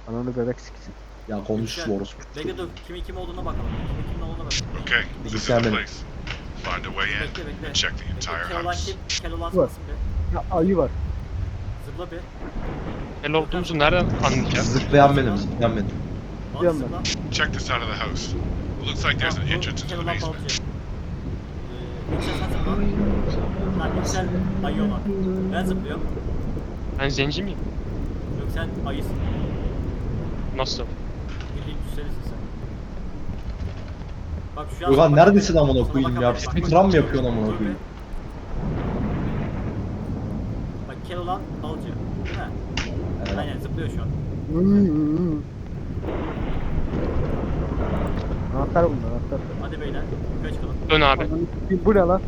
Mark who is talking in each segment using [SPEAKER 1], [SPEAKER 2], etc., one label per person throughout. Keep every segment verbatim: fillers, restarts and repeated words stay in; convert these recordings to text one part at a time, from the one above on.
[SPEAKER 1] Ananı bebek siksin.
[SPEAKER 2] Ya konuş
[SPEAKER 3] Yüksel.
[SPEAKER 2] orospu.
[SPEAKER 3] Bekle dur. Kimin kim olduğuna bakalım. Kimin kimin olduğuna bakalım.
[SPEAKER 4] Okay, this is the
[SPEAKER 2] Examine.
[SPEAKER 4] place. Find a way in
[SPEAKER 3] Bekle bekle.
[SPEAKER 4] and check the
[SPEAKER 3] Bekle.
[SPEAKER 4] entire
[SPEAKER 3] Keloğlan
[SPEAKER 4] house.
[SPEAKER 3] kim? Keloğlan
[SPEAKER 1] Bu.
[SPEAKER 3] sensin be.
[SPEAKER 1] Ya ayı var.
[SPEAKER 3] Zıpla bir.
[SPEAKER 5] El olduğumuzu nereden anlayacağız?
[SPEAKER 2] Zıplayan benim, zıplayan benim.
[SPEAKER 3] Bak
[SPEAKER 1] Biliyorum
[SPEAKER 3] zıpla.
[SPEAKER 4] Check this side of the house. It looks like there's an
[SPEAKER 3] Tamam, bu
[SPEAKER 4] entrance into the
[SPEAKER 3] Keloğlan
[SPEAKER 4] basement.
[SPEAKER 3] balıkçı. Ee, Yüksel sen zıpla. Lan Yüksel ayı olan. Ben zıplıyorum.
[SPEAKER 5] Ben zenci miyim?
[SPEAKER 3] Yok sen ayısın.
[SPEAKER 5] Nasıl?
[SPEAKER 3] Bildiğin Yükselisin sen. Bak şu an
[SPEAKER 2] Ulan
[SPEAKER 3] sana
[SPEAKER 2] neredesin
[SPEAKER 3] bakamıyorum.
[SPEAKER 2] amına
[SPEAKER 3] Sana
[SPEAKER 2] koyayım ya?
[SPEAKER 3] bakamıyorum. Bak, bak.
[SPEAKER 2] Speedrun mı yapıyorsun amına
[SPEAKER 3] Dur bir.
[SPEAKER 2] koyayım?
[SPEAKER 3] Bak Keloğlan balıkçı. Değil mi?
[SPEAKER 2] Evet.
[SPEAKER 3] Aynen zıplıyor şu an.
[SPEAKER 1] Anahtar bunlar anahtar.
[SPEAKER 3] Hadi beyler. Yukarı çıkalım.
[SPEAKER 5] Dön abi.
[SPEAKER 1] Ananı sikeyim, bu ne lan?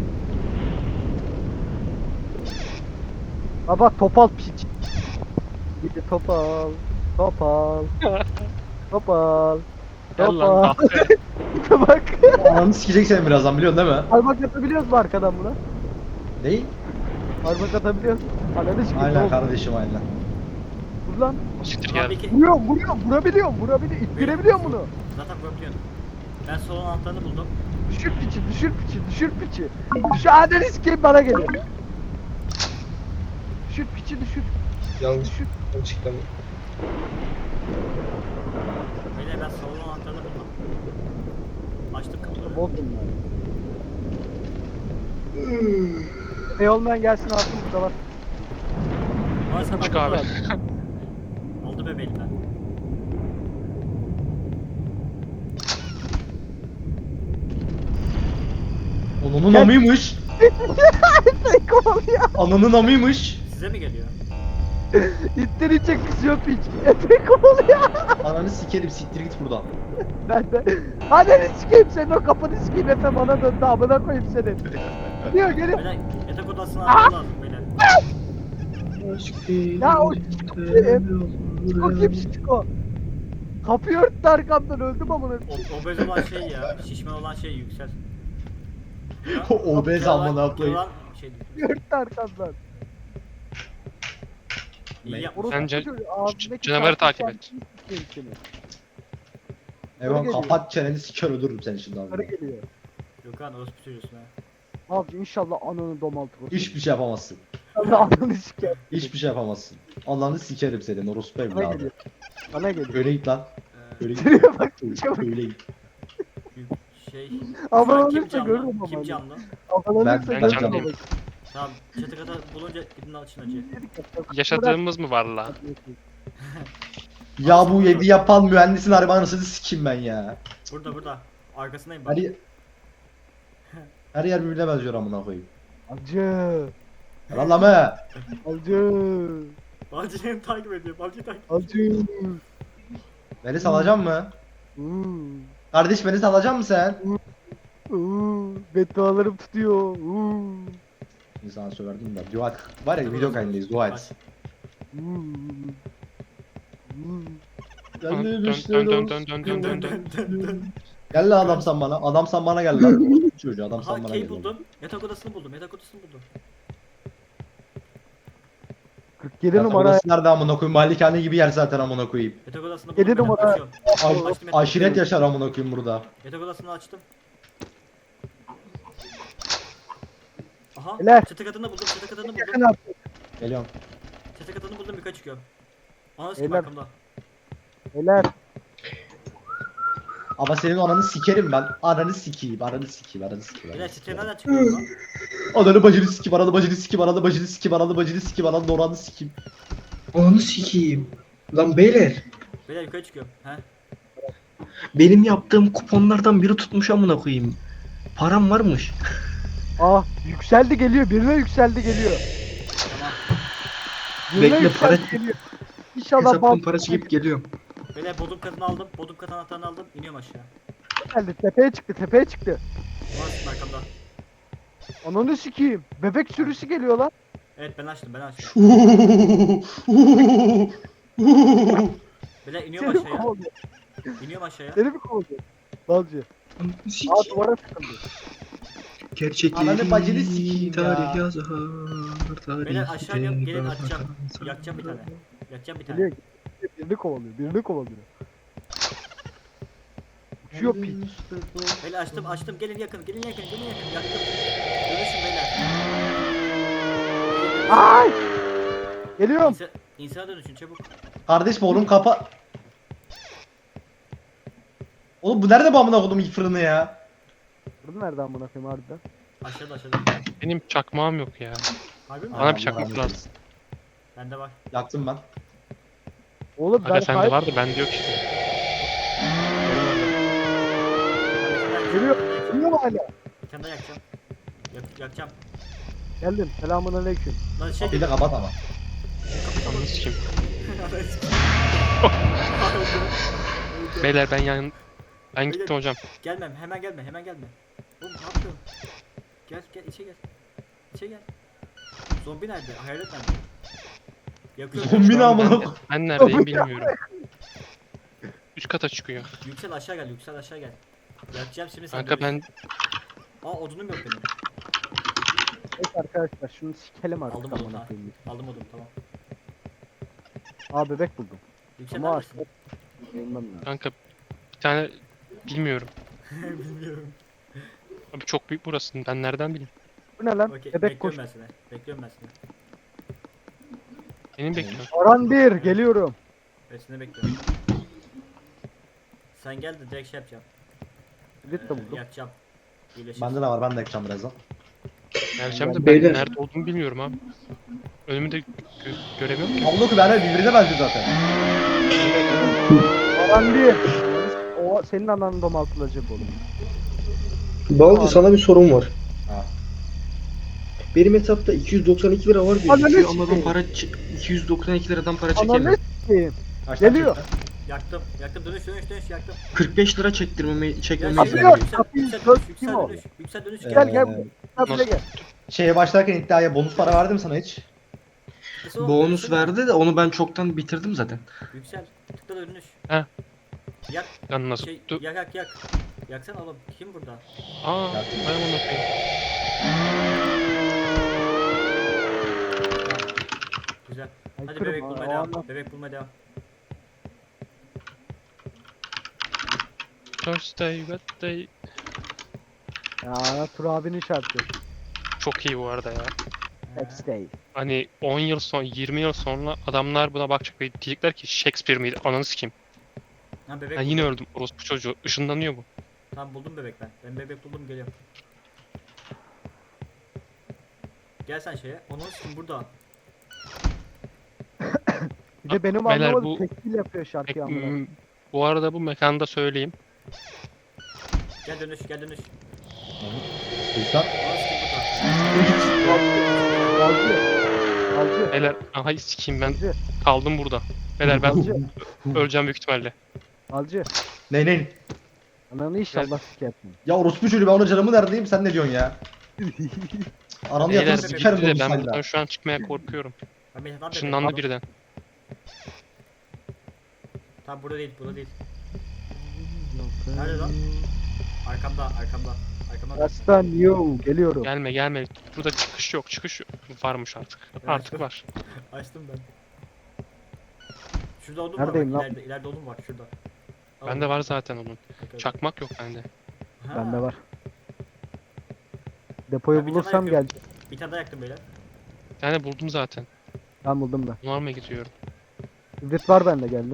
[SPEAKER 1] Baba topal piç. Gidi topal. Topal. Topal.
[SPEAKER 5] Gel lan.
[SPEAKER 1] Topal. Bak.
[SPEAKER 2] Ananı sikecek seni birazdan biliyorsun değil mi?
[SPEAKER 1] Parmak atabiliyoruz mu arkadan buna?
[SPEAKER 2] Ney?
[SPEAKER 1] Parmak atabiliyoruz. Ananı sikeyim. ne
[SPEAKER 2] Aynen
[SPEAKER 1] oldu?
[SPEAKER 2] kardeşim aynen.
[SPEAKER 1] Vur lan.
[SPEAKER 5] Siktir
[SPEAKER 3] Tamam,
[SPEAKER 5] gel.
[SPEAKER 3] peki.
[SPEAKER 1] Vuruyorum vuruyorum vurabiliyorum vurabiliyorum. İttirebiliyorum bunu.
[SPEAKER 3] Zaten vurabiliyorsun. Ben solun anahtarını buldum.
[SPEAKER 1] Düşür piçi düşür piçi düşür piçi. Şu ananı sikeyim bana geliyor. Düşür piçi düşür.
[SPEAKER 6] Yanlış
[SPEAKER 1] Düşür.
[SPEAKER 6] açıklama.
[SPEAKER 3] Beyler ben solun anahtarını buldum. Açtım kapıları.
[SPEAKER 1] Bol bunlar. Ey olmayan gelsin altın burada var.
[SPEAKER 3] Bana sen
[SPEAKER 5] Çık
[SPEAKER 3] bak-
[SPEAKER 5] abi.
[SPEAKER 3] Aldı bebeğim ben.
[SPEAKER 2] Onunun
[SPEAKER 1] Gel.
[SPEAKER 2] amıymış.
[SPEAKER 1] Seni kovalıyor.
[SPEAKER 2] Ananın amıymış.
[SPEAKER 3] Size mi geliyor?
[SPEAKER 1] İttirecek kızıyor piç. Efe kovalıyor.
[SPEAKER 2] Ananı sikerim siktir git buradan.
[SPEAKER 1] Ben de. Ananı sikeyim senin o kafanı sikeyim Efe bana döndü amına koyayım seni. Diyor gelin.
[SPEAKER 3] Beyler yatak odasına anahtar lazım beyler.
[SPEAKER 1] Ya o Çiko kim Çiko? Kapıyı örttü arkamdan öldüm amına.
[SPEAKER 3] O, obez olan şey ya. Şişman olan şey yüksel.
[SPEAKER 2] O obez amına koyayım.
[SPEAKER 3] Keloğlan şey.
[SPEAKER 1] Kapıyı örttü arkamdan.
[SPEAKER 3] İyi
[SPEAKER 2] Ne?
[SPEAKER 3] yapmış.
[SPEAKER 1] Orospu
[SPEAKER 5] Bence
[SPEAKER 1] çocuğu, ağzındaki
[SPEAKER 5] canavarı
[SPEAKER 1] karpuz
[SPEAKER 5] takip et.
[SPEAKER 1] kendini sikeyim seni.
[SPEAKER 2] Evan
[SPEAKER 1] geliyor.
[SPEAKER 2] kapat çeneni siker öldürürüm seni şimdi
[SPEAKER 1] Karı
[SPEAKER 2] abi.
[SPEAKER 1] geliyor.
[SPEAKER 3] Gökhan orospu çocuğusun ha.
[SPEAKER 1] Abi inşallah ananı domaltır.
[SPEAKER 2] Hiçbir şey yapamazsın.
[SPEAKER 1] Allah ananı siker.
[SPEAKER 2] Hiçbir şey yapamazsın. Allah'ını sikerim senin orospu
[SPEAKER 1] Bana
[SPEAKER 2] evladı.
[SPEAKER 1] geliyor. Bana geliyor.
[SPEAKER 2] Öyle git lan.
[SPEAKER 3] Ee,
[SPEAKER 2] Öyle git.
[SPEAKER 1] Şuraya bak çabuk.
[SPEAKER 2] Öyle git.
[SPEAKER 3] şey.
[SPEAKER 1] Ama
[SPEAKER 3] Şu an kim
[SPEAKER 1] ölürse görürüm
[SPEAKER 3] camlı?
[SPEAKER 1] ama
[SPEAKER 3] Kim
[SPEAKER 1] ben.
[SPEAKER 3] camlı?
[SPEAKER 1] Avalanırsa
[SPEAKER 2] Ben-
[SPEAKER 5] ben
[SPEAKER 1] görürüm
[SPEAKER 5] canlıyım.
[SPEAKER 1] ama.
[SPEAKER 3] Tamam. Çatı kata bulunca gidin açın acı.
[SPEAKER 5] Yaşadığımız mı var la?
[SPEAKER 2] Ya bu evi yapan mühendisin arabanısını sikeyim ben ya.
[SPEAKER 3] Burada burada. Arkasındayım
[SPEAKER 2] Her,
[SPEAKER 3] bak.
[SPEAKER 2] yer- her yer birbirine benziyor amına koyayım.
[SPEAKER 1] Acı.
[SPEAKER 2] Lan be.
[SPEAKER 1] Acı.
[SPEAKER 3] Balcı'yı takip ediyor. Balcı'yı takip
[SPEAKER 1] Acı.
[SPEAKER 2] Beni salacak mı?
[SPEAKER 1] Uuu.
[SPEAKER 2] Kardeş beni salacak mı sen?
[SPEAKER 1] Uuu. Beddualarım tutuyor. Uuu.
[SPEAKER 2] İnsana söverdim de. Dua et. Var ya video kaydındayız dua et.
[SPEAKER 1] Uuu. Uuu.
[SPEAKER 5] Dön dön dön dön dön dön dön dön.
[SPEAKER 3] Dön dön dön.
[SPEAKER 2] Gel lan adam sen bana. Adam sen bana gel lan. Çocuğu adam
[SPEAKER 3] Aha
[SPEAKER 2] sen bana
[SPEAKER 3] key
[SPEAKER 2] gel.
[SPEAKER 3] buldum. Yatak odasını buldum. Yatak odasını buldum.
[SPEAKER 1] kırk yedi
[SPEAKER 2] Yatak
[SPEAKER 1] numara.
[SPEAKER 2] odası nerede amına koyayım? Malikane gibi yer zaten amına koyayım.
[SPEAKER 3] Yatak odasını
[SPEAKER 1] Yedi
[SPEAKER 3] buldum.
[SPEAKER 1] numara.
[SPEAKER 3] Açıyorum.
[SPEAKER 2] Ay,
[SPEAKER 3] Açtım yatak
[SPEAKER 2] aşiret
[SPEAKER 3] odasını.
[SPEAKER 2] yaşar amına koyayım burada.
[SPEAKER 3] Yatak odasını açtım. Aha.
[SPEAKER 1] Beyler.
[SPEAKER 3] Çatı katını buldum. Çatı katını
[SPEAKER 1] Yakın
[SPEAKER 3] buldum.
[SPEAKER 1] artık.
[SPEAKER 2] Geliyorum.
[SPEAKER 3] Çatı katını buldum. Yukarı çıkıyorum. Ana sikim
[SPEAKER 1] Beyler.
[SPEAKER 3] arkamda.
[SPEAKER 1] Beyler.
[SPEAKER 2] Ama senin ananı sikerim ben. Ananı sikeyim, ananı sikeyim, ananı sikeyim.
[SPEAKER 3] Beyler
[SPEAKER 2] Ananı
[SPEAKER 3] çatıya
[SPEAKER 2] sikeyim.
[SPEAKER 3] nereden çıkıyorum lan?
[SPEAKER 2] Ananı bacını sikeyim, ananı bacını sikeyim, ananı bacını sikeyim, ananı bacını sikeyim, ananı oranı sikeyim.
[SPEAKER 6] Onu sikeyim. Lan beyler,
[SPEAKER 3] Beyler yukarı çıkıyorum. He.
[SPEAKER 6] benim yaptığım kuponlardan biri tutmuş amına koyayım. Param varmış.
[SPEAKER 1] Ah yükseldi geliyor. Birine yükseldi geliyor.
[SPEAKER 3] Tamam.
[SPEAKER 1] Birine
[SPEAKER 6] Bekle,
[SPEAKER 1] yükseldi
[SPEAKER 6] para-
[SPEAKER 1] geliyor. İnşallah
[SPEAKER 6] Hesaptan
[SPEAKER 1] bal
[SPEAKER 6] para çekip geliyorum.
[SPEAKER 3] Beyler bodrum katını aldım. Bodrum katı anahtarını aldım. İniyorum aşağı.
[SPEAKER 1] geldi. Tepeye çıktı. Tepeye çıktı.
[SPEAKER 3] Ana sikim arkamda.
[SPEAKER 1] Ananı sikeyim. Bebek sürüsü geliyor lan.
[SPEAKER 3] Evet ben açtım ben açtım. Beyler iniyorum
[SPEAKER 1] Seni mi
[SPEAKER 3] aşağıya.
[SPEAKER 1] kovalıyor?
[SPEAKER 3] İniyorum aşağıya.
[SPEAKER 1] Seni mi kovalıyor? Balcı.
[SPEAKER 6] Onu
[SPEAKER 1] Aa
[SPEAKER 6] sikeyim.
[SPEAKER 1] duvara sıkıldı.
[SPEAKER 6] Gerçekleri
[SPEAKER 2] Ananı bacını sikeyim ya.
[SPEAKER 6] tarih yazar. Tarih
[SPEAKER 3] Beyler aşağı iniyorum. Gelin
[SPEAKER 6] yazar.
[SPEAKER 3] açacağım. Yakacağım bir tane. Yakacağım bir tane.
[SPEAKER 1] Geliyor. Birini kovalıyor. Birini kovalıyor. Uçuyor piç.
[SPEAKER 3] Beyler açtım açtım gelin yakın gelin yakın gelin yakın yaktım. Dönüşün beyler.
[SPEAKER 1] Ay! Geliyorum.
[SPEAKER 3] İnsan, insana dönüşün çabuk.
[SPEAKER 2] Kardeşim oğlum kapa... Oğlum bu nerede bu amına koydum ilk fırını ya?
[SPEAKER 1] Burada nereden amına koyayım harbiden?
[SPEAKER 3] Aşağıda aşağıda.
[SPEAKER 5] Benim çakmağım yok ya.
[SPEAKER 3] Harbi mi?
[SPEAKER 5] Bana bir
[SPEAKER 2] Allah
[SPEAKER 5] çakmak
[SPEAKER 2] rahmet
[SPEAKER 5] lazım.
[SPEAKER 2] eylesin.
[SPEAKER 3] Bende var.
[SPEAKER 2] Yaktım ben.
[SPEAKER 1] Oğlum ben
[SPEAKER 5] Aga sende
[SPEAKER 1] sahip-
[SPEAKER 5] vardı bende yok işte.
[SPEAKER 1] Geliyor. Geliyor mu hala?
[SPEAKER 3] Bir tane daha yakacağım. Yak, yakacağım.
[SPEAKER 1] Geldim. Selamun aleyküm.
[SPEAKER 3] Lan şey
[SPEAKER 2] Kapıyı da kapat ama.
[SPEAKER 5] Ananı sikeyim. Beyler ben yan... Ben gittim hocam.
[SPEAKER 3] Gelmem hemen gelme hemen gelme. Oğlum ne yapıyorsun? Gel gel içe gel. İçe gel. Zombi nerede? Hayalet nerede? Yakıyorum.
[SPEAKER 2] Zombi ne
[SPEAKER 5] Ben,
[SPEAKER 2] amına
[SPEAKER 5] ben,
[SPEAKER 2] koydum?
[SPEAKER 5] ben neredeyim bilmiyorum. Üst kata çıkıyor.
[SPEAKER 3] Yüksel aşağı gel yüksel aşağı gel. Yakacağım şimdi sen.
[SPEAKER 5] Kanka ben
[SPEAKER 3] Aa odunum yok benim.
[SPEAKER 1] Evet arkadaşlar şunu sikelim artık
[SPEAKER 3] Aldım odunu
[SPEAKER 1] amına
[SPEAKER 3] ha.
[SPEAKER 1] koyayım.
[SPEAKER 3] Aldım odunu tamam.
[SPEAKER 1] Aa bebek buldum.
[SPEAKER 3] Yüksel
[SPEAKER 1] Ama
[SPEAKER 3] neredesin?
[SPEAKER 1] artık bilmem lazım.
[SPEAKER 5] kanka bir tane bilmiyorum.
[SPEAKER 3] Bilmiyorum.
[SPEAKER 5] Abi çok büyük burası. Ben nereden bileyim?
[SPEAKER 1] Bu ne lan?
[SPEAKER 3] Okey
[SPEAKER 1] Bebek koş.
[SPEAKER 3] bekliyorum ben seni. Bekliyorum ben seni.
[SPEAKER 5] Benim bekliyorum.
[SPEAKER 1] Aran bir geliyorum.
[SPEAKER 3] Ben seni bekliyorum. Sen gel de direkt şey yapacağım.
[SPEAKER 1] Git de buldum.
[SPEAKER 3] Yakacağım. İyileşir.
[SPEAKER 2] Bende de var ben de yakacağım birazdan.
[SPEAKER 5] Geleceğim de ben
[SPEAKER 6] Beyler.
[SPEAKER 5] nerede olduğumu bilmiyorum abi. Önümü de gö göremiyorum ki.
[SPEAKER 2] Amına koyayım ben birbirine benziyor zaten.
[SPEAKER 1] Aran bir. O senin ananı domaltılacak oğlum.
[SPEAKER 6] Balcı sana bir sorum var.
[SPEAKER 2] Ha.
[SPEAKER 6] Benim hesapta iki yüz doksan iki lira var
[SPEAKER 1] Ananı
[SPEAKER 6] gözüküyor ama ben
[SPEAKER 1] sikeyim.
[SPEAKER 6] para ç- iki yüz doksan iki liradan para
[SPEAKER 1] Ananı
[SPEAKER 6] çekemiyorum.
[SPEAKER 1] s**eyim.
[SPEAKER 2] Kaç tane
[SPEAKER 1] Geliyor.
[SPEAKER 2] çektin?
[SPEAKER 3] Yaktım. Yaktım dönüş dönüş dönüş yaktım.
[SPEAKER 6] kırk beş lira çektirmemeyi
[SPEAKER 3] Gel
[SPEAKER 6] çekmemeyi
[SPEAKER 3] şey,
[SPEAKER 1] Kapıyor,
[SPEAKER 6] istiyorum.
[SPEAKER 3] yüksel,
[SPEAKER 1] kapıyı
[SPEAKER 3] yüksel,
[SPEAKER 1] dört
[SPEAKER 3] dönüş,
[SPEAKER 1] kim
[SPEAKER 3] yüksel
[SPEAKER 1] o?
[SPEAKER 3] dönüş, yüksel dönüş
[SPEAKER 2] Ee,
[SPEAKER 3] gel.
[SPEAKER 1] Gel gel. Kapıya gel.
[SPEAKER 2] Şeye başlarken iddiaya bonus para verdi mi sana hiç?
[SPEAKER 3] Kısa ol,
[SPEAKER 6] Bonus
[SPEAKER 3] dönüşsene.
[SPEAKER 6] verdi de onu ben çoktan bitirdim zaten.
[SPEAKER 3] Yüksel. Tıkla da dönüş.
[SPEAKER 5] He.
[SPEAKER 3] Yak.
[SPEAKER 5] Lan nasıl?
[SPEAKER 3] Şey,
[SPEAKER 5] Dur.
[SPEAKER 3] yak yak yak. Yaksana oğlum. Kim burada?
[SPEAKER 5] Aa, ben onu koyayım.
[SPEAKER 3] Güzel. Hadi
[SPEAKER 1] Aykırı
[SPEAKER 3] bebek
[SPEAKER 1] mı?
[SPEAKER 3] bulmaya
[SPEAKER 1] Aa,
[SPEAKER 3] devam.
[SPEAKER 1] Allah.
[SPEAKER 3] Bebek bulmaya devam.
[SPEAKER 5] Thursday, Wednesday.
[SPEAKER 1] Ya Tur abinin şarkı.
[SPEAKER 5] Çok iyi bu arada ya.
[SPEAKER 1] Next day.
[SPEAKER 5] Hani on yıl sonra, yirmi yıl sonra adamlar buna bakacak ve diyecekler ki Shakespeare miydi? Ananı sikeyim.
[SPEAKER 3] Ha bebek
[SPEAKER 5] Ben yine
[SPEAKER 3] buldum.
[SPEAKER 5] öldüm. Orospu çocuğu. Işınlanıyor bu.
[SPEAKER 3] Tamam buldum bebek ben. Ben bebek buldum geliyorum. Gel sen şeye. Onun için burada.
[SPEAKER 1] Bir de benim
[SPEAKER 5] Beyler,
[SPEAKER 1] anlamadım
[SPEAKER 5] bu-
[SPEAKER 1] tekil yapıyor şarkıyı amına.
[SPEAKER 5] Hmm, Bu arada bu mekanda söyleyeyim.
[SPEAKER 3] Gel dönüş gel dönüş.
[SPEAKER 2] Sultan.
[SPEAKER 3] Onun için burada.
[SPEAKER 1] Alcı. Alcı.
[SPEAKER 5] Beyler, aha sikeyim ben
[SPEAKER 1] Alcı.
[SPEAKER 5] kaldım burada. Beyler ben
[SPEAKER 1] Alcı.
[SPEAKER 5] öleceğim büyük ihtimalle.
[SPEAKER 1] Alcı.
[SPEAKER 2] Ne ne?
[SPEAKER 1] Ananı inşallah sikersin.
[SPEAKER 2] Ya orospu çocuğu ben ona canımı neredeyim sen ne diyorsun ya? Ananı
[SPEAKER 5] Beyler
[SPEAKER 2] yaparım sikerim
[SPEAKER 5] bitti de
[SPEAKER 2] bonus
[SPEAKER 5] ben
[SPEAKER 2] sayıda.
[SPEAKER 5] buradan şu an çıkmaya korkuyorum.
[SPEAKER 3] Ben bir- tamam, bebek.
[SPEAKER 5] Işınlandı birden.
[SPEAKER 3] Tamam burada değil burada değil. Nerede lan? Arkamda arkamda. Arkamda.
[SPEAKER 1] Aslan yo geliyorum.
[SPEAKER 5] Gelme gelme. Burada çıkış yok. Çıkış yok. Varmış artık. Artık var.
[SPEAKER 3] Açtım ben. Şurada odun
[SPEAKER 1] Neredeyim
[SPEAKER 3] var
[SPEAKER 1] lan?
[SPEAKER 3] bak ileride, ileride odun var şurada. Al
[SPEAKER 5] Bende
[SPEAKER 3] onu.
[SPEAKER 5] var zaten onun.
[SPEAKER 3] Okey.
[SPEAKER 5] Çakmak yok bende.
[SPEAKER 3] Ha,
[SPEAKER 1] Bende var. Depoyu
[SPEAKER 3] Ben bir tane
[SPEAKER 1] bulursam gel.
[SPEAKER 3] yakıyorum. Bir tane daha yaktım beyler.
[SPEAKER 5] Bir tane buldum zaten.
[SPEAKER 1] Ben buldum da.
[SPEAKER 5] Normal mı gidiyorum?
[SPEAKER 1] Hibrit var bende geldim.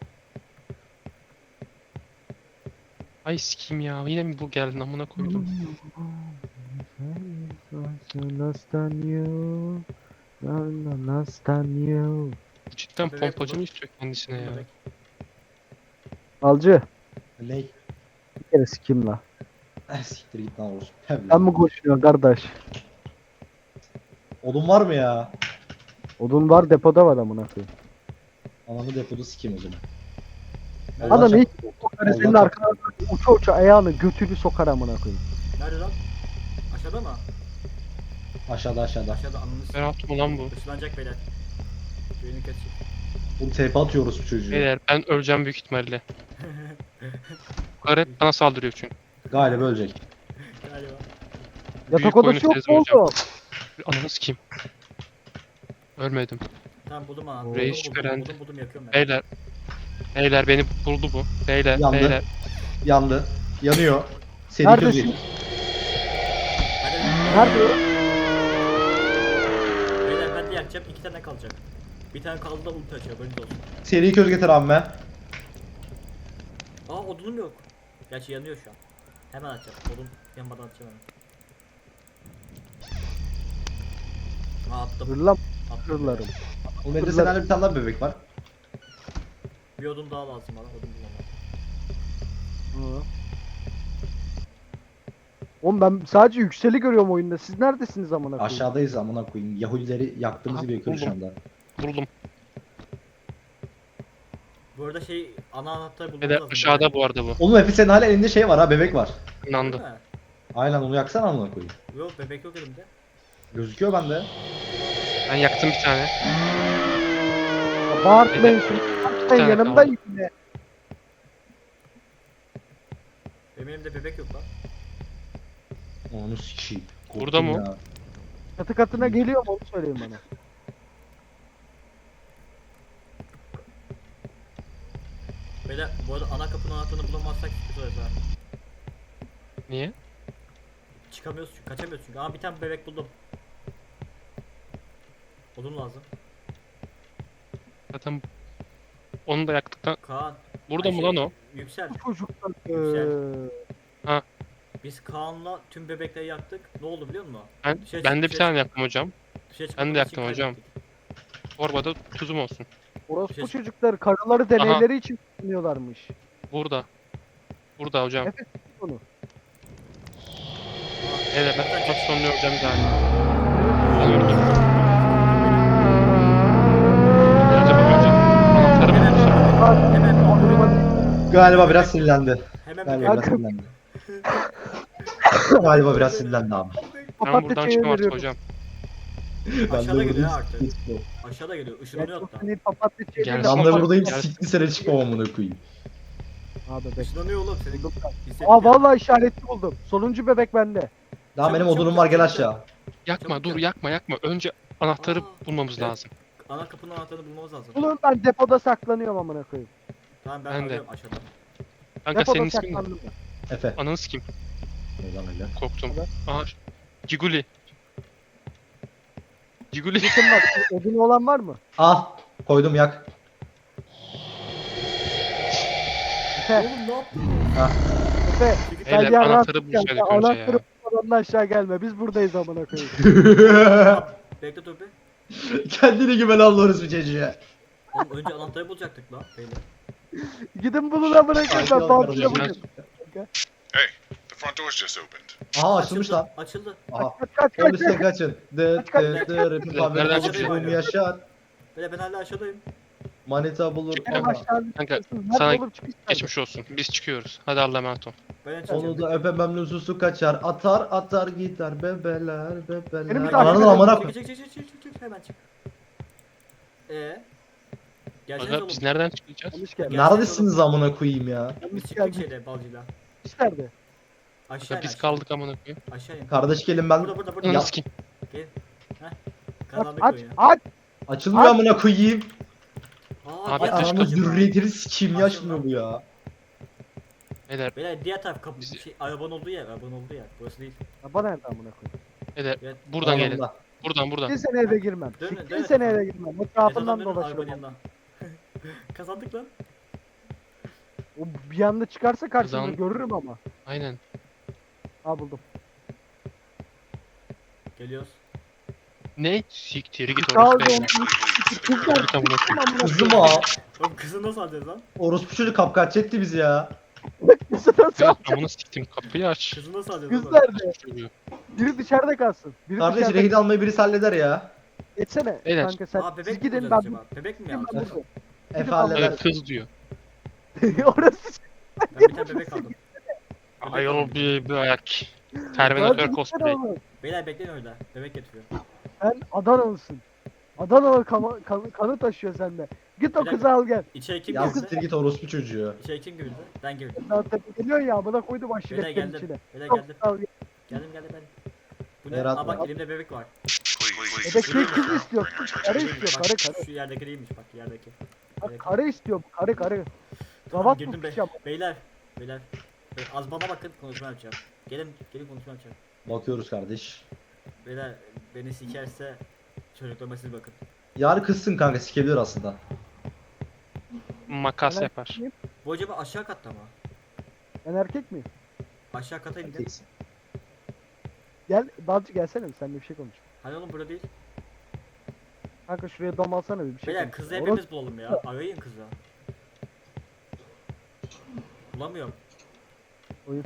[SPEAKER 5] Ay sikeyim ya. Yine mi bu geldi amına koydum. Cidden
[SPEAKER 3] Bebek
[SPEAKER 5] pompacı
[SPEAKER 3] buldum.
[SPEAKER 5] mı istiyor kendisine ya?
[SPEAKER 3] Bebek.
[SPEAKER 1] Alcı.
[SPEAKER 2] Ney?
[SPEAKER 1] Bir kere sikim la.
[SPEAKER 2] Eh siktir git lan orospu. Evladım.
[SPEAKER 1] Sen mi koşuyorsun kardeş?
[SPEAKER 2] Odun var mı ya?
[SPEAKER 1] Odun var depoda var amına koyayım.
[SPEAKER 2] Ananı depoda sikeyim o zaman.
[SPEAKER 3] Nerede,
[SPEAKER 2] Allah
[SPEAKER 1] Adam
[SPEAKER 2] şak-
[SPEAKER 1] ilk sokar senin
[SPEAKER 2] Allah
[SPEAKER 1] arkana uça uça ayağını götünü sokar amına koyayım.
[SPEAKER 3] nerede lan? Aşağıda mı?
[SPEAKER 2] Aşağıda aşağıda.
[SPEAKER 3] Aşağıda ananı s***.
[SPEAKER 5] Berat mı lan bu?
[SPEAKER 3] Işınlanacak beyler. Düğünü kesecek.
[SPEAKER 2] Bu tepe atıyor orospu çocuğu.
[SPEAKER 5] Beyler ben öleceğim büyük ihtimalle. Bu karı hep bana saldırıyor çünkü.
[SPEAKER 2] Galiba ölecek.
[SPEAKER 3] Galiba.
[SPEAKER 1] Yatak
[SPEAKER 5] Büyük oyunu
[SPEAKER 1] odası yok
[SPEAKER 5] sezdim hocam.
[SPEAKER 1] mu oğlum?
[SPEAKER 5] Ananı sikeyim. Ölmedim.
[SPEAKER 3] Tamam buldum anahtarı.
[SPEAKER 5] Reis
[SPEAKER 3] Buldum, buldum,
[SPEAKER 5] görendi.
[SPEAKER 3] buldum, buldum, yakıyorum ben.
[SPEAKER 5] Beyler. Beyler beni buldu bu. Beyler
[SPEAKER 2] Yandı.
[SPEAKER 5] beyler.
[SPEAKER 2] Yandı. Yanıyor. Seri
[SPEAKER 1] Neredesin?
[SPEAKER 2] közü.
[SPEAKER 3] Hadi.
[SPEAKER 1] Nerede o?
[SPEAKER 3] Beyler ben de yakacağım. iki tane kalacak. Bir tane kaldı da ulti açıyor. Böyle olsun.
[SPEAKER 2] Seri köz getir abi.
[SPEAKER 3] Aa odunum yok. Gerçi yanıyor şu an. Hemen açacağım. Odun yanmadan açacağım hemen. Aa attım.
[SPEAKER 1] Hırlam
[SPEAKER 3] Attım.
[SPEAKER 1] hırlarım.
[SPEAKER 2] Oğlum evde senaryo bir tane daha bebek var.
[SPEAKER 3] Bir odun daha lazım bana. Odun bulamam.
[SPEAKER 1] Hı. Oğlum ben sadece yükseli görüyorum oyunda. Siz neredesiniz amına koyayım?
[SPEAKER 2] Aşağıdayız amına koyayım. Yahudileri yaktığımız
[SPEAKER 5] Aha,
[SPEAKER 2] gibi yakıyoruz şu
[SPEAKER 5] buldum.
[SPEAKER 2] anda.
[SPEAKER 5] Buldum.
[SPEAKER 3] Bu arada şey ana anahtarı bulmamız
[SPEAKER 5] Beyler
[SPEAKER 3] lazım.
[SPEAKER 5] aşağıda bu arada bu.
[SPEAKER 2] Oğlum Efe senin hala elinde şey var ha, bebek var.
[SPEAKER 5] İnandı.
[SPEAKER 3] Değil mi?
[SPEAKER 2] Aynen onu yaksana amına koyayım.
[SPEAKER 3] Yok bebek yok elimde.
[SPEAKER 2] Gözüküyor bende.
[SPEAKER 5] Ben yaktım bir tane.
[SPEAKER 1] Bağırtmayın şunu. Bağırtmayın
[SPEAKER 5] tane
[SPEAKER 1] yanımda
[SPEAKER 5] kaldı.
[SPEAKER 1] yine.
[SPEAKER 3] Benim elimde bebek yok lan.
[SPEAKER 2] Onu sikeyim. Korktum
[SPEAKER 5] Burada mı?
[SPEAKER 2] ya.
[SPEAKER 1] Katı katına geliyor mu onu söyleyin bana.
[SPEAKER 3] Beyler bu arada ana kapının anahtarını bulamazsak tutarız ha.
[SPEAKER 5] Niye?
[SPEAKER 3] Çıkamıyoruz çünkü, kaçamıyoruz çünkü. Aa bir tane bebek buldum. Odun lazım.
[SPEAKER 5] Zaten onu da yaktıktan.
[SPEAKER 3] Kaan.
[SPEAKER 5] Burada
[SPEAKER 3] Ay
[SPEAKER 5] mı
[SPEAKER 3] şey,
[SPEAKER 5] lan o?
[SPEAKER 3] Yüksel.
[SPEAKER 1] Bu çocuklar.
[SPEAKER 3] Yüksel.
[SPEAKER 1] Eee,
[SPEAKER 3] Biz Kaan'la tüm bebekleri yaktık. Ne oldu biliyor musun?
[SPEAKER 5] Ben,
[SPEAKER 3] Dışarı
[SPEAKER 5] ben de
[SPEAKER 3] çık-
[SPEAKER 5] bir tane yaktım hocam.
[SPEAKER 3] Dışarı
[SPEAKER 5] Ben de
[SPEAKER 3] çıkmadığımız
[SPEAKER 5] yaktım
[SPEAKER 3] için
[SPEAKER 5] hocam.
[SPEAKER 3] kaybettik.
[SPEAKER 5] Torbada tuzum olsun.
[SPEAKER 1] Orospu
[SPEAKER 3] Şey-
[SPEAKER 1] çocuklar karıları deneyleri için kullanıyorlarmış.
[SPEAKER 5] Burada. Burada hocam.
[SPEAKER 1] Evet. Onu.
[SPEAKER 5] Evet ben çok sonunu hocam galiba. Alıyorum. Acaba hocam anahtarı
[SPEAKER 3] Hemen
[SPEAKER 5] bulmuşum.
[SPEAKER 3] hemen hemen
[SPEAKER 2] Galiba biraz sinirlendi.
[SPEAKER 3] hemen
[SPEAKER 2] Galiba
[SPEAKER 3] bebek.
[SPEAKER 2] biraz sinirlendi. Galiba biraz sinirlendi abi.
[SPEAKER 5] Ben
[SPEAKER 1] Papatya
[SPEAKER 5] buradan
[SPEAKER 1] çayı
[SPEAKER 5] çıkmam artık
[SPEAKER 1] veriyorum.
[SPEAKER 5] hocam.
[SPEAKER 3] Aşağıda geliyor ha
[SPEAKER 2] buradayım,
[SPEAKER 3] artık.
[SPEAKER 2] siktir.
[SPEAKER 3] Aşağıda geliyor.
[SPEAKER 1] Ya
[SPEAKER 3] Işınlanıyor
[SPEAKER 1] çok
[SPEAKER 3] hatta.
[SPEAKER 1] seni papatya çayı
[SPEAKER 5] Gel.
[SPEAKER 1] veriyorum.
[SPEAKER 2] Ben de
[SPEAKER 5] Papatya-
[SPEAKER 2] buradayım,
[SPEAKER 5] Gel.
[SPEAKER 2] siktir sene çıkmam amına koyayım.
[SPEAKER 1] Aa bebek.
[SPEAKER 3] Işınlanıyor oğlum seni.
[SPEAKER 1] Buldum ben.
[SPEAKER 3] Hissettim
[SPEAKER 1] Aa
[SPEAKER 3] ya.
[SPEAKER 1] vallahi işaretli buldum. Sonuncu bebek bende.
[SPEAKER 2] Daha
[SPEAKER 3] Çabuk,
[SPEAKER 2] benim
[SPEAKER 3] çabuk,
[SPEAKER 2] odunum var, gel
[SPEAKER 3] çabuk,
[SPEAKER 2] aşağı.
[SPEAKER 5] Yakma
[SPEAKER 3] Çabuk
[SPEAKER 5] dur
[SPEAKER 3] yap.
[SPEAKER 5] yakma yakma. Önce anahtarı
[SPEAKER 3] Aa,
[SPEAKER 5] bulmamız
[SPEAKER 3] evet.
[SPEAKER 5] lazım.
[SPEAKER 3] Ana kapının anahtarını bulmamız lazım.
[SPEAKER 1] Oğlum ben depoda saklanıyorum amına koyayım.
[SPEAKER 3] Tamam ben,
[SPEAKER 5] Ben de.
[SPEAKER 3] arıyorum aşağıda.
[SPEAKER 5] Kanka
[SPEAKER 1] Depoda
[SPEAKER 5] senin ismin ne?
[SPEAKER 1] saklandım ben.
[SPEAKER 2] Efe.
[SPEAKER 5] Ananı sikeyim.
[SPEAKER 2] Neyden öyle?
[SPEAKER 5] Korktum.
[SPEAKER 1] Evet.
[SPEAKER 5] Aha. Ciguli. Ciguli.
[SPEAKER 1] Yakın var. Odunu olan var mı?
[SPEAKER 2] Ah, koydum yak.
[SPEAKER 1] Efe.
[SPEAKER 3] Oğlum ne yaptın?
[SPEAKER 1] Efe.
[SPEAKER 5] Beyler,
[SPEAKER 1] Gel ya,
[SPEAKER 5] anahtarı
[SPEAKER 1] rahat gel.
[SPEAKER 5] bulsaydık önce
[SPEAKER 1] Anahtarı
[SPEAKER 5] ya.
[SPEAKER 1] bulmadan aşağı gelme. Biz buradayız amına koyayım.
[SPEAKER 3] Bekle dur be.
[SPEAKER 2] Kendine güven alıyoruz bir çocuğa.
[SPEAKER 3] Oğlum önce anahtarı bulacaktık lan. Beyler.
[SPEAKER 1] Gidin bulun amına koyayım.
[SPEAKER 2] Sakin
[SPEAKER 1] Ben
[SPEAKER 2] ol
[SPEAKER 1] baltayla
[SPEAKER 2] kardeşim.
[SPEAKER 1] bakıyorum.
[SPEAKER 4] Hey, the front door's just opened.
[SPEAKER 2] Aha açılmış
[SPEAKER 3] Açıldı,
[SPEAKER 2] lan.
[SPEAKER 3] Açıldı.
[SPEAKER 2] Aha.
[SPEAKER 1] Kaç kaç kaç
[SPEAKER 2] Polise
[SPEAKER 1] kaç.
[SPEAKER 2] kaçın. Dı
[SPEAKER 1] Kaç, kaç,
[SPEAKER 2] dı
[SPEAKER 1] kaç.
[SPEAKER 2] dı rapin
[SPEAKER 5] Nereden
[SPEAKER 2] fabrikası
[SPEAKER 3] çıkıyor?
[SPEAKER 2] bulum yaşar.
[SPEAKER 3] Beyler ben hala aşağıdayım.
[SPEAKER 2] Manita bulur.
[SPEAKER 1] Benim
[SPEAKER 2] Aha.
[SPEAKER 1] aşağı
[SPEAKER 5] Kanka,
[SPEAKER 1] Nerede
[SPEAKER 5] sana
[SPEAKER 1] oğlum çıkış nerede?
[SPEAKER 5] Geçmiş olsun. Biz çıkıyoruz. Hadi Allah'a emanet ol.
[SPEAKER 3] Ben açacağım.
[SPEAKER 2] Onu da öpemem lüzusu kaçar. Atar atar gider bebeler bebeler.
[SPEAKER 1] Benim bir
[SPEAKER 2] Ananı
[SPEAKER 1] dakika-
[SPEAKER 2] amına
[SPEAKER 3] Çık
[SPEAKER 2] koy.
[SPEAKER 3] çık çık çık çık çık hemen çık. Eee? Gelseniz
[SPEAKER 5] Aga
[SPEAKER 3] oğlum.
[SPEAKER 5] biz nereden çıkacağız?
[SPEAKER 1] Yanlış geldi.
[SPEAKER 2] Neredesiniz amına koyayım ya?
[SPEAKER 3] Biz
[SPEAKER 1] Yanlış
[SPEAKER 3] çıktık
[SPEAKER 1] geldi.
[SPEAKER 3] şeyde balcıyla.
[SPEAKER 1] Çıkış nerede?
[SPEAKER 3] Aşağı
[SPEAKER 5] Aga
[SPEAKER 3] in,
[SPEAKER 5] biz
[SPEAKER 3] aşağı.
[SPEAKER 5] kaldık amına koyayım.
[SPEAKER 3] Aşağı in.
[SPEAKER 2] Kardeş gelin ben.
[SPEAKER 3] Burada burada burada.
[SPEAKER 5] Ananı
[SPEAKER 2] Ya.
[SPEAKER 5] sikeyim.
[SPEAKER 3] Gel. Heh.
[SPEAKER 1] Aç
[SPEAKER 3] Kazandık
[SPEAKER 1] aç
[SPEAKER 3] oyunu.
[SPEAKER 1] aç.
[SPEAKER 2] Açılmıyor amına koyayım.
[SPEAKER 3] Aa,
[SPEAKER 5] Abi,
[SPEAKER 2] Ay
[SPEAKER 3] diğer taraf
[SPEAKER 2] ananı
[SPEAKER 3] acaba?
[SPEAKER 2] zürriyetini sikeyim
[SPEAKER 3] Açıldı.
[SPEAKER 2] yaşmıyor bu ya.
[SPEAKER 5] Beyler,
[SPEAKER 3] Beyler diğer taraf kapı
[SPEAKER 5] Bizi-
[SPEAKER 3] şey arabanın olduğu yer, arabanın olduğu yer. Burası değil.
[SPEAKER 1] Araba nerede amına koyayım?
[SPEAKER 5] beyler
[SPEAKER 3] Evet.
[SPEAKER 5] buradan gelin.
[SPEAKER 2] Anamda.
[SPEAKER 5] Buradan
[SPEAKER 1] Bir
[SPEAKER 5] buradan.
[SPEAKER 1] sene eve girmem.
[SPEAKER 3] Dönün,
[SPEAKER 1] Bir
[SPEAKER 3] dönün.
[SPEAKER 1] sene eve girmem. Etrafından
[SPEAKER 3] Mezardan dönün, arabanın
[SPEAKER 1] dolaşırım.
[SPEAKER 3] yanına. Kazandık lan.
[SPEAKER 1] O bir anda çıkarsa karşımda
[SPEAKER 5] Kazan-
[SPEAKER 1] görürüm ama.
[SPEAKER 5] Aynen.
[SPEAKER 1] Ha buldum.
[SPEAKER 3] Geliyoruz.
[SPEAKER 5] Ne? Siktir git
[SPEAKER 1] Sağ ol
[SPEAKER 5] orası
[SPEAKER 1] canım.
[SPEAKER 5] beyler.
[SPEAKER 1] Kızlar
[SPEAKER 5] Git amına koyayım.
[SPEAKER 2] Kızım o.
[SPEAKER 3] Oğlum kızı nasıl alacağız lan?
[SPEAKER 2] Orospu çocuk kapkaç etti bizi ya.
[SPEAKER 1] kızı nasıl
[SPEAKER 5] Evet,
[SPEAKER 1] alacak?
[SPEAKER 5] amına siktim kapıyı aç.
[SPEAKER 3] Kızı nasıl alacağız
[SPEAKER 1] Kız
[SPEAKER 3] oğlum?
[SPEAKER 1] nerede?
[SPEAKER 5] Çocuğu.
[SPEAKER 1] Biri dışarıda kalsın. Biri
[SPEAKER 2] Kardeş
[SPEAKER 1] dışarıda.
[SPEAKER 2] rehin almayı birisi halleder ya.
[SPEAKER 1] Geçsene
[SPEAKER 5] Beyler.
[SPEAKER 1] kanka sen.
[SPEAKER 3] Aa bebek
[SPEAKER 1] Siz
[SPEAKER 3] mi
[SPEAKER 1] gidin
[SPEAKER 3] bulacağız
[SPEAKER 1] ben
[SPEAKER 3] acaba? Bebek mi
[SPEAKER 1] ben
[SPEAKER 3] alacağız?
[SPEAKER 1] buradayım.
[SPEAKER 2] Efe
[SPEAKER 1] Gidip al.
[SPEAKER 2] halleder.
[SPEAKER 5] Evet kız diyor.
[SPEAKER 1] Orası.
[SPEAKER 3] Ben bir tane bebek aldım.
[SPEAKER 5] Ayol bir bir ayak.
[SPEAKER 1] Lan
[SPEAKER 5] Terminator
[SPEAKER 1] gitsene
[SPEAKER 5] cosplay.
[SPEAKER 1] oğlum.
[SPEAKER 3] Beyler bekleyin orada. Bebek getiriyor.
[SPEAKER 1] Sen Adanalısın. Adanalı kanı, kanı, kanı taşıyor sende. Git o
[SPEAKER 3] Bir dakika.
[SPEAKER 1] kızı al gel.
[SPEAKER 3] İçeri kim
[SPEAKER 2] Ya
[SPEAKER 3] girdi?
[SPEAKER 2] siktir git orospu çocuğu.
[SPEAKER 3] İçeri kim girdi? Ben girdim.
[SPEAKER 1] Daha tepe geliyor ya bana koydum
[SPEAKER 3] Beyler
[SPEAKER 1] aşiretlerin
[SPEAKER 3] geldim.
[SPEAKER 1] içine.
[SPEAKER 3] Beyler
[SPEAKER 1] Yok,
[SPEAKER 3] geldim.
[SPEAKER 1] al gel.
[SPEAKER 3] Geldim geldim ben. Bu ne?
[SPEAKER 2] Berat
[SPEAKER 3] Aa bak
[SPEAKER 2] var.
[SPEAKER 3] elimde bebek var.
[SPEAKER 4] Please, Please,
[SPEAKER 1] Bebek
[SPEAKER 4] clear
[SPEAKER 1] kız
[SPEAKER 4] the
[SPEAKER 1] kız
[SPEAKER 4] room.
[SPEAKER 1] istiyor.
[SPEAKER 4] Bring our
[SPEAKER 1] Karı
[SPEAKER 4] transportation.
[SPEAKER 1] istiyor,
[SPEAKER 3] Bak,
[SPEAKER 1] karı karı.
[SPEAKER 3] Şu yerdeki değilmiş bak yerdeki.
[SPEAKER 1] Bak
[SPEAKER 3] Yerdeki.
[SPEAKER 1] karı istiyor, karı karı.
[SPEAKER 3] Tamam,
[SPEAKER 1] Ravat
[SPEAKER 3] girdim
[SPEAKER 1] bu
[SPEAKER 3] be.
[SPEAKER 1] piç ama.
[SPEAKER 3] Beyler. Beyler. Be- Az bana bakın konuşma yapacağım. Gelin gelin konuşma yapacağım.
[SPEAKER 2] Bakıyoruz kardeş.
[SPEAKER 3] Beyler beni sikerse çocuklarıma siz bakın.
[SPEAKER 2] Yani kızsın kanka sikebilir aslında.
[SPEAKER 5] Makas
[SPEAKER 1] Ben
[SPEAKER 5] yapar.
[SPEAKER 1] erkek miyim?
[SPEAKER 3] Bu acaba aşağı katta mı?
[SPEAKER 1] Ben erkek miyim?
[SPEAKER 3] Aşağı kata indin.
[SPEAKER 2] Erkeksin.
[SPEAKER 1] Gel, Balcı gelsene bir seninle bir şey konuş.
[SPEAKER 3] Hani oğlum burada değil.
[SPEAKER 1] Kanka şuraya dom alsana bir, bir şey
[SPEAKER 3] Beyler
[SPEAKER 1] konuş.
[SPEAKER 3] kızı
[SPEAKER 1] Orası-
[SPEAKER 3] hepimiz bulalım ya. Arayın kızı. Bulamıyorum.
[SPEAKER 1] Oyun.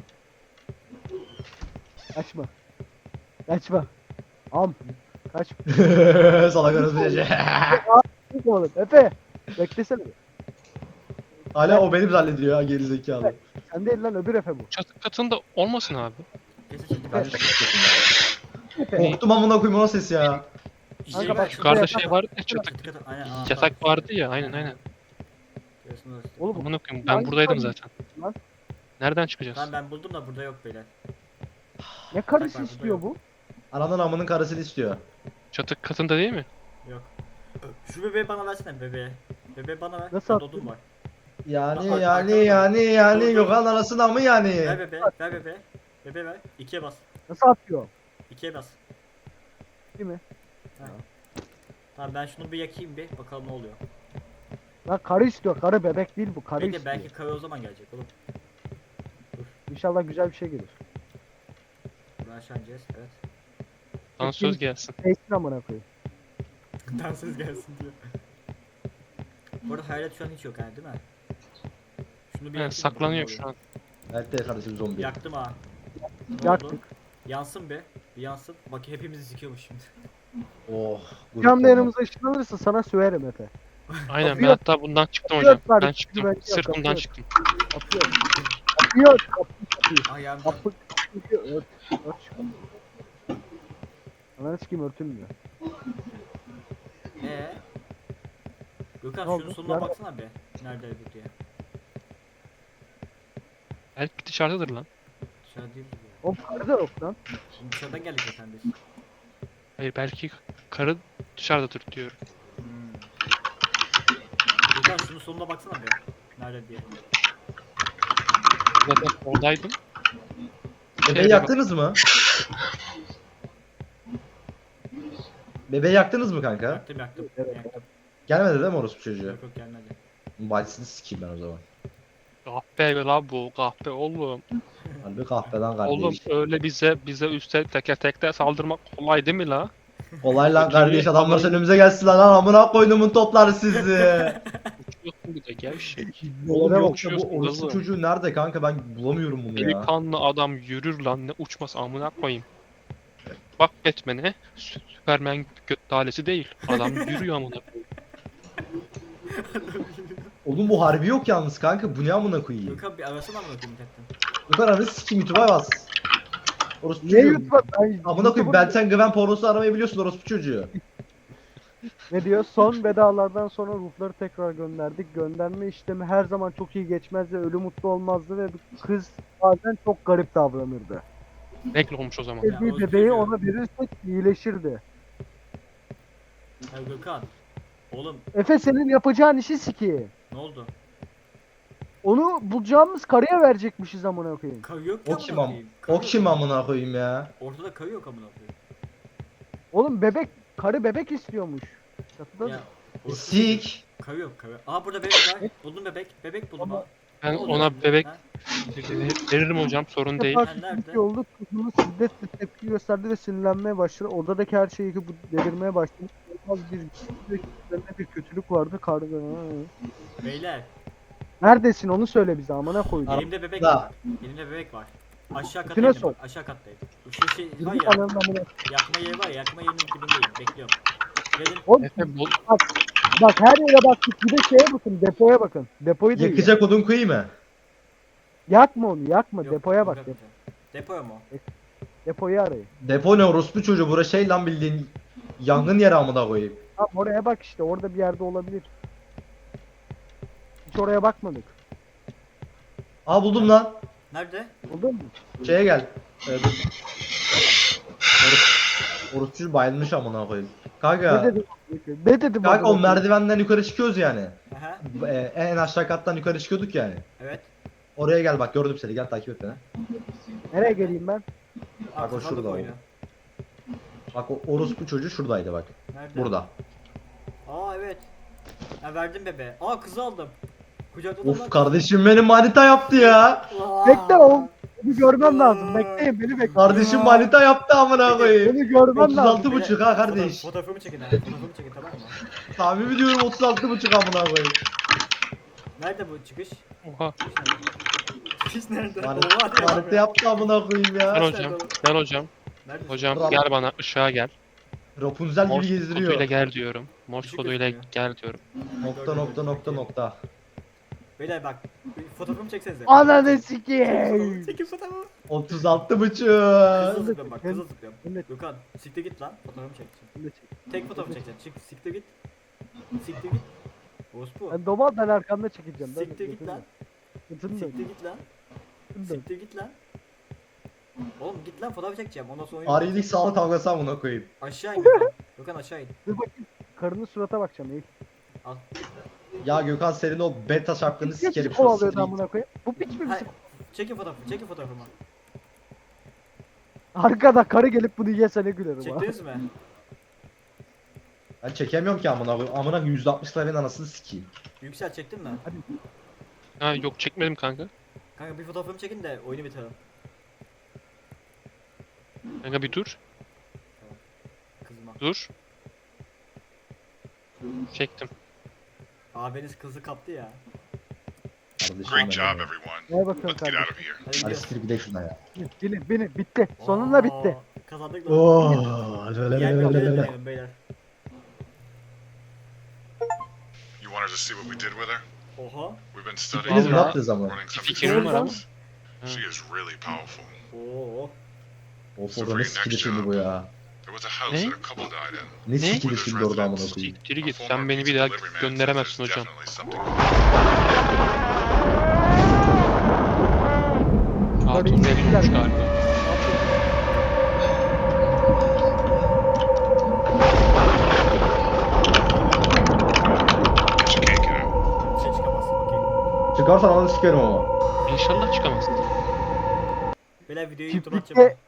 [SPEAKER 1] Kaçma. Kaçma. Am. Kaç.
[SPEAKER 2] Salak arası gece.
[SPEAKER 1] Oğlum Efe. Beklesene bir.
[SPEAKER 2] Hala o benim zannediyor ya gerizekalı.
[SPEAKER 1] Sen değil lan, öbür Efe bu.
[SPEAKER 5] Çatı katında olmasın abi.
[SPEAKER 3] Kesin çekti.
[SPEAKER 2] Ben
[SPEAKER 1] Efe.
[SPEAKER 2] korktum amına koyayım o nasıl ses ya.
[SPEAKER 1] Kanka bak,
[SPEAKER 5] Yukarıda
[SPEAKER 1] yatak
[SPEAKER 5] şey
[SPEAKER 1] var.
[SPEAKER 5] vardı ya çatı.
[SPEAKER 3] Aynen, anahtar.
[SPEAKER 5] Yatak vardı ya aynen aynen.
[SPEAKER 3] Diyorsun orası.
[SPEAKER 1] Oğlum
[SPEAKER 5] Amına koyayım
[SPEAKER 1] Lan
[SPEAKER 5] ben buradaydım
[SPEAKER 1] yukarı-
[SPEAKER 5] zaten.
[SPEAKER 1] Lan.
[SPEAKER 5] Nereden çıkacağız?
[SPEAKER 3] Tamam ben buldum da burada yok beyler.
[SPEAKER 1] ne
[SPEAKER 3] Bak,
[SPEAKER 1] karısı
[SPEAKER 3] bak,
[SPEAKER 1] istiyor
[SPEAKER 3] burada
[SPEAKER 1] bu?
[SPEAKER 2] Ananın amının karısını istiyor.
[SPEAKER 5] Çatı katında değil mi?
[SPEAKER 3] Yok. Şu bebeği bana versene bebeği. Bebeği bana ver.
[SPEAKER 1] Nasıl
[SPEAKER 3] Bende odun var.
[SPEAKER 2] Yani
[SPEAKER 3] Bak,
[SPEAKER 2] yani
[SPEAKER 3] arkada-
[SPEAKER 2] yani yani
[SPEAKER 3] Dur, dur.
[SPEAKER 2] Gökhan anasını mı yani?
[SPEAKER 3] Ver bebeği. Ver bebeği. Bebeği ver. İkiye bas.
[SPEAKER 1] Nasıl atıyor?
[SPEAKER 3] İkiye bas.
[SPEAKER 1] Değil mi?
[SPEAKER 3] Tamam ben şunu bir yakayım bir bakalım ne oluyor.
[SPEAKER 1] Lan karı istiyor. Karı, bebek değil bu. Karı
[SPEAKER 3] Belki
[SPEAKER 1] istiyor.
[SPEAKER 3] belki karı o zaman gelecek oğlum.
[SPEAKER 1] İnşallah güzel bir şey gelir.
[SPEAKER 3] Buradan aşağı ineceğiz. Evet.
[SPEAKER 5] Bana söz gelsin.
[SPEAKER 1] Neysin amına koyayım.
[SPEAKER 3] Dansöz gelsin diyor. Bu arada hayalet şu an hiç yok yani değil mi? Şunu bir
[SPEAKER 5] Yani
[SPEAKER 3] yakayım,
[SPEAKER 5] saklanıyor
[SPEAKER 3] bakalım
[SPEAKER 5] şu an.
[SPEAKER 2] Evet de kardeşim zombi.
[SPEAKER 3] Yaktım ha. Ne oldu?
[SPEAKER 1] Yaktık.
[SPEAKER 3] Yansın be. Bir yansın. Bak hepimizi sikiyormuş şimdi.
[SPEAKER 2] Oh.
[SPEAKER 1] Bir anda yanımıza ışınlanırsa sana söverim Efe.
[SPEAKER 5] Aynen ben
[SPEAKER 1] Kapıyor.
[SPEAKER 5] hatta bundan çıktım
[SPEAKER 1] Kapıyor
[SPEAKER 5] hocam. Ben
[SPEAKER 1] kardeşim,
[SPEAKER 5] çıktım.
[SPEAKER 1] bence
[SPEAKER 5] Sırf bundan
[SPEAKER 1] kapıyor.
[SPEAKER 5] çıktım.
[SPEAKER 1] Atıyor. Atıyor. Kapıyı kapıyı.
[SPEAKER 3] Ayağım.
[SPEAKER 1] Kapı kapıyı ört. Ört şu kapıyı. Ananı sikeyim, örtülmüyor.
[SPEAKER 3] Eee? Gökhan
[SPEAKER 1] Ne
[SPEAKER 3] şunun
[SPEAKER 1] oldu?
[SPEAKER 3] sonuna
[SPEAKER 1] Nerede?
[SPEAKER 3] baksana be. Nerede bu diye.
[SPEAKER 5] Belki dışarıdadır lan.
[SPEAKER 3] Dışarı değil bu.
[SPEAKER 1] Oğlum karı da yok lan.
[SPEAKER 3] Şimdi dışarıdan geldik zaten biz.
[SPEAKER 5] Hayır belki karı dışarıdadır diyorum.
[SPEAKER 3] Hmm. Gökhan şunun sonuna baksana be. Nerede diye.
[SPEAKER 5] Zaten oradaydım.
[SPEAKER 2] Bebeği yaktınız mı? Bebeği yaktınız mı kanka?
[SPEAKER 3] Yaktım yaktım.
[SPEAKER 1] Evet.
[SPEAKER 3] Yaktım.
[SPEAKER 2] Gelmedi değil mi orospu çocuğu?
[SPEAKER 3] Yok yok gelmedi.
[SPEAKER 2] Bacısını sikeyim ben o zaman.
[SPEAKER 5] Kahpe la bu kahpe oğlum.
[SPEAKER 2] Harbi kahveden kardeş.
[SPEAKER 5] Oğlum öyle bize bize üstte teker tekte saldırmak kolay değil mi la?
[SPEAKER 2] Kolay lan
[SPEAKER 5] Kötü
[SPEAKER 2] kardeş
[SPEAKER 5] bir
[SPEAKER 2] adamlar
[SPEAKER 5] adam.
[SPEAKER 2] önümüze gelsin lan amına koyduğumun topları sizi.
[SPEAKER 5] Uçuyorsun bir de gevşek.
[SPEAKER 2] Oğlum
[SPEAKER 1] Nereye
[SPEAKER 2] yok
[SPEAKER 5] bakıyorsun
[SPEAKER 2] bu orospu
[SPEAKER 5] kızım?
[SPEAKER 2] çocuğu nerede kanka ben bulamıyorum bunu ya.
[SPEAKER 5] Delikanlı adam yürür lan ne uçması amına koyayım. Bak Batman'e Superman göt dalesi değil. Adam yürüyor amına koyayım.
[SPEAKER 2] Oğlum bu harbi yok yalnız kanka bu ne amına koyayım.
[SPEAKER 3] Gökhan bir arasana mı bakayım chatten?
[SPEAKER 2] Bu kadar anı sikeyim YouTube'a bas. Orospu
[SPEAKER 1] Ne
[SPEAKER 2] çocuğu.
[SPEAKER 1] YouTube'a? Ay,
[SPEAKER 2] Amına koyayım
[SPEAKER 1] YouTube'a-
[SPEAKER 2] ben sen Gwen pornosu aramayı biliyorsun orospu çocuğu.
[SPEAKER 1] Ne diyor? Son vedalardan sonra ruhları tekrar gönderdik. Gönderme işlemi her zaman çok iyi geçmez ve ölü mutlu olmazdı ve bu kız bazen çok garip davranırdı.
[SPEAKER 5] Bekle olmuş o zaman.
[SPEAKER 3] Ya,
[SPEAKER 1] Sevdiği
[SPEAKER 3] o
[SPEAKER 1] bebeği
[SPEAKER 3] üzülüyor.
[SPEAKER 1] ona verirsek iyileşirdi.
[SPEAKER 3] Ya Gökhan. Oğlum
[SPEAKER 1] Efe senin yapacağın işi sikeyim.
[SPEAKER 3] ne oldu?
[SPEAKER 1] Onu bulacağımız karıya verecekmişiz amına koyayım.
[SPEAKER 3] Karı yok
[SPEAKER 2] O
[SPEAKER 3] ya
[SPEAKER 2] kim
[SPEAKER 3] amına
[SPEAKER 2] am?
[SPEAKER 3] koyayım. Karı
[SPEAKER 2] O kim
[SPEAKER 3] yok.
[SPEAKER 2] amına koyayım ya?
[SPEAKER 3] Ortada karı yok amına koyayım.
[SPEAKER 1] Oğlum bebek, karı bebek istiyormuş. Çatıda
[SPEAKER 3] Ya.
[SPEAKER 1] da.
[SPEAKER 3] ortada
[SPEAKER 2] Sik.
[SPEAKER 3] Karı yok karı. Aa burada bebek var. Buldum bebek. Bebek buldum
[SPEAKER 1] Ama-
[SPEAKER 3] ha.
[SPEAKER 5] Ben
[SPEAKER 3] Ne oluyor
[SPEAKER 5] ona
[SPEAKER 3] şimdi?
[SPEAKER 5] bebek
[SPEAKER 3] Ha?
[SPEAKER 5] veririm hocam sorun değil.
[SPEAKER 1] Defa
[SPEAKER 3] Ha, nerede?
[SPEAKER 1] bir oldu, kızımız şiddetle tepki gösterdi ve sinirlenmeye başladı. Odadaki her şeyi bu delirmeye başladı. Az bir ve üzerine bir kötülük vardı karga.
[SPEAKER 3] Beyler.
[SPEAKER 1] Neredesin onu söyle bize amına koydum.
[SPEAKER 3] Elimde bebek
[SPEAKER 2] Da.
[SPEAKER 3] var. Elimde bebek var. Aşağı kata
[SPEAKER 1] Götüne
[SPEAKER 3] indim
[SPEAKER 1] sok.
[SPEAKER 3] bak. Aşağı kattayım. Şu şey var
[SPEAKER 1] Yürü
[SPEAKER 3] ya.
[SPEAKER 1] ananın amına.
[SPEAKER 3] Yakma yeri var ya. Yakma yerinin dibindeyim. Bekliyorum. Gelin.
[SPEAKER 1] Oğlum
[SPEAKER 5] Efe bul.
[SPEAKER 1] bak her yere baktık. Bir de şeye bakın, depoya bakın. Depoyu değil.
[SPEAKER 2] Yakacak odun koyayım mı?
[SPEAKER 1] Yakma onu, yakma.
[SPEAKER 3] Yok,
[SPEAKER 1] Depoya
[SPEAKER 3] yok
[SPEAKER 1] bak.
[SPEAKER 3] yapacağım. Depoya mı? o?
[SPEAKER 1] Depoyu arayın.
[SPEAKER 2] Depo ne orospu çocuğu bura şey lan bildiğin yangın yeri amına koyayım.
[SPEAKER 1] Tamam oraya bak işte. Orada bir yerde olabilir. Hiç oraya bakmadık.
[SPEAKER 2] Aa buldum lan.
[SPEAKER 3] Nerede?
[SPEAKER 1] Buldun mu?
[SPEAKER 2] Şeye gel. Ee, dur. Orospu- Orospu bayılmış amına koyayım.
[SPEAKER 1] Ne
[SPEAKER 2] Kanka.
[SPEAKER 1] dedim? Ne dedim?
[SPEAKER 2] Kanka o
[SPEAKER 1] amına koyayım?
[SPEAKER 2] merdivenden yukarı çıkıyoruz yani.
[SPEAKER 3] Aha.
[SPEAKER 2] Ee, en aşağı kattan yukarı çıkıyorduk yani.
[SPEAKER 3] Evet.
[SPEAKER 2] Oraya gel bak gördüm seni gel takip et beni.
[SPEAKER 1] Nereye geleyim ben?
[SPEAKER 3] Aa,
[SPEAKER 2] Bak o
[SPEAKER 3] kazandık
[SPEAKER 2] şurada
[SPEAKER 3] oyunu.
[SPEAKER 2] Bak o orospu çocuğu şuradaydı bak.
[SPEAKER 3] Nerede?
[SPEAKER 2] Burada.
[SPEAKER 3] Aa evet. Ha verdim bebe. Aa kızı aldım. Kucakladım
[SPEAKER 2] Of
[SPEAKER 3] lan
[SPEAKER 2] kardeşim benim manita yaptı ya.
[SPEAKER 3] kızı. Aa.
[SPEAKER 1] Bekle oğlum. Beni görmem lazım. Bekleyin beni bekleyin.
[SPEAKER 2] Kardeşim manita yaptı amına koyayım.
[SPEAKER 1] Beni görmem
[SPEAKER 2] otuz
[SPEAKER 1] lazım.
[SPEAKER 2] altı buçuk ha kardeş.
[SPEAKER 3] Fotoğraf- Fotoğrafımı çekin ha. Fotoğrafımı çekin tamam mı?
[SPEAKER 2] Tahmin ediyorum otuz altı buçuk amına koyayım.
[SPEAKER 3] Nerede bu çıkış?
[SPEAKER 5] Oha.
[SPEAKER 3] Çıkış nerede?
[SPEAKER 2] Manita,
[SPEAKER 3] Oha diyor adam
[SPEAKER 2] manita
[SPEAKER 3] ya.
[SPEAKER 2] yaptı amına koyayım
[SPEAKER 5] Gel
[SPEAKER 2] ya.
[SPEAKER 5] hocam. Gel hocam.
[SPEAKER 3] Neredesin?
[SPEAKER 5] Hocam
[SPEAKER 2] Bravo.
[SPEAKER 5] gel bana ışığa gel.
[SPEAKER 2] Rapunzel gibi
[SPEAKER 5] Morse
[SPEAKER 2] gezdiriyor.
[SPEAKER 5] koduyla gel diyorum. Morse
[SPEAKER 3] Işık
[SPEAKER 5] koduyla
[SPEAKER 3] gözükmüyor.
[SPEAKER 5] gel diyorum.
[SPEAKER 2] Nokta nokta nokta nokta.
[SPEAKER 3] Beyler bak. bir Fotoğrafımı çeksenize.
[SPEAKER 1] Ananı
[SPEAKER 3] Çekin
[SPEAKER 1] sikeyim.
[SPEAKER 3] fotoğrafımı, Çekin fotoğrafımı.
[SPEAKER 2] otuz altı buçuk.
[SPEAKER 3] Kızıl zıplıyorum bak kızıl zıplıyorum.
[SPEAKER 1] Ben de-
[SPEAKER 3] Gökhan siktir git lan. Fotoğrafımı çekeceğim.
[SPEAKER 1] ben de çek-
[SPEAKER 3] Tek fotoğrafı çekeceğim. Çık siktir git. Siktir git. Orospu.
[SPEAKER 1] Ben domal ben arkamda çekeceğim. Ben
[SPEAKER 3] Siktir git lan.
[SPEAKER 1] Götünü
[SPEAKER 3] Siktir
[SPEAKER 1] dön.
[SPEAKER 3] git lan.
[SPEAKER 1] Götünü dön.
[SPEAKER 3] Siktir git lan. Oğlum git lan fotoğraf çekeceğim. Ondan sonra oyun
[SPEAKER 2] Arilik sağlık kavgası amına koyayım.
[SPEAKER 3] Aşağı in Gökhan. Gökhan aşağı in.
[SPEAKER 1] Dur bakayım. Karının surata bakacağım. İyi.
[SPEAKER 3] Al.
[SPEAKER 2] Ya Gökhan senin o beta şapkını
[SPEAKER 1] Niye
[SPEAKER 2] sikerim
[SPEAKER 1] bizi
[SPEAKER 2] şu an.
[SPEAKER 1] kovalıyordu amına koyayım? Bu piç mi
[SPEAKER 3] Hayır.
[SPEAKER 1] bizi?
[SPEAKER 3] Çekin fotoğrafı. Çekin fotoğrafımı.
[SPEAKER 1] Arkada karı gelip bunu yese ne gülerim ha.
[SPEAKER 3] Çektiniz mi?
[SPEAKER 2] Ben çekemiyorum ki amına koyayım. Amına yüzde altmış lirayın anasını sikeyim.
[SPEAKER 3] Yüksel çektin mi?
[SPEAKER 5] Ha yok çekmedim kanka.
[SPEAKER 3] Kanka bir fotoğrafımı çekin de oyunu bitirelim.
[SPEAKER 5] Kanka bir dur.
[SPEAKER 3] Kızma.
[SPEAKER 5] Dur. Çektim.
[SPEAKER 3] Abiniz kızı kaptı ya.
[SPEAKER 2] Kardeşim
[SPEAKER 4] Great
[SPEAKER 2] benim
[SPEAKER 4] job,
[SPEAKER 2] ya.
[SPEAKER 4] everyone.
[SPEAKER 1] Neye bakıyorsun
[SPEAKER 4] Let's get out
[SPEAKER 1] kardeşim?
[SPEAKER 4] of here.
[SPEAKER 3] Hadi
[SPEAKER 2] Hadi
[SPEAKER 3] gidiyoruz.
[SPEAKER 2] siktir gidelim şuna ya.
[SPEAKER 1] Binin binin bitti. Sonunda bitti.
[SPEAKER 3] Aa, Kazandık lan.
[SPEAKER 2] Oo.
[SPEAKER 3] Yer mi yer beyler.
[SPEAKER 4] You wanted to see what we did with her?
[SPEAKER 3] Oha.
[SPEAKER 4] We've been
[SPEAKER 2] Biz
[SPEAKER 4] studying
[SPEAKER 2] ne
[SPEAKER 5] Vallahi-
[SPEAKER 2] yaptınız ama?
[SPEAKER 4] running some
[SPEAKER 5] Fikrim var ama.
[SPEAKER 4] experiments. She is really powerful.
[SPEAKER 3] Oo.
[SPEAKER 2] Of orada ne sikili şimdi bu ya.
[SPEAKER 4] There was a house
[SPEAKER 5] Ne?
[SPEAKER 4] that a couple died in.
[SPEAKER 2] Ne
[SPEAKER 5] Ne?
[SPEAKER 2] sikili şimdi orada amına koyayım.
[SPEAKER 5] Siktir
[SPEAKER 4] A
[SPEAKER 5] git.
[SPEAKER 4] former
[SPEAKER 5] Sen beni bir
[SPEAKER 4] pizza
[SPEAKER 5] daha
[SPEAKER 4] delivery man
[SPEAKER 5] gönderemezsin
[SPEAKER 4] said there's
[SPEAKER 5] hocam.
[SPEAKER 4] definitely something.
[SPEAKER 5] Hatun verilmiş galiba.
[SPEAKER 4] But you can't get out.
[SPEAKER 3] Bir şey çıkamazsın okey.
[SPEAKER 2] Çıkarsan ananı sikerim ama.
[SPEAKER 5] İnşallah çıkamazsın.
[SPEAKER 3] Beyler videoyu
[SPEAKER 1] Çiftlikte-
[SPEAKER 3] YouTube'a atacağım.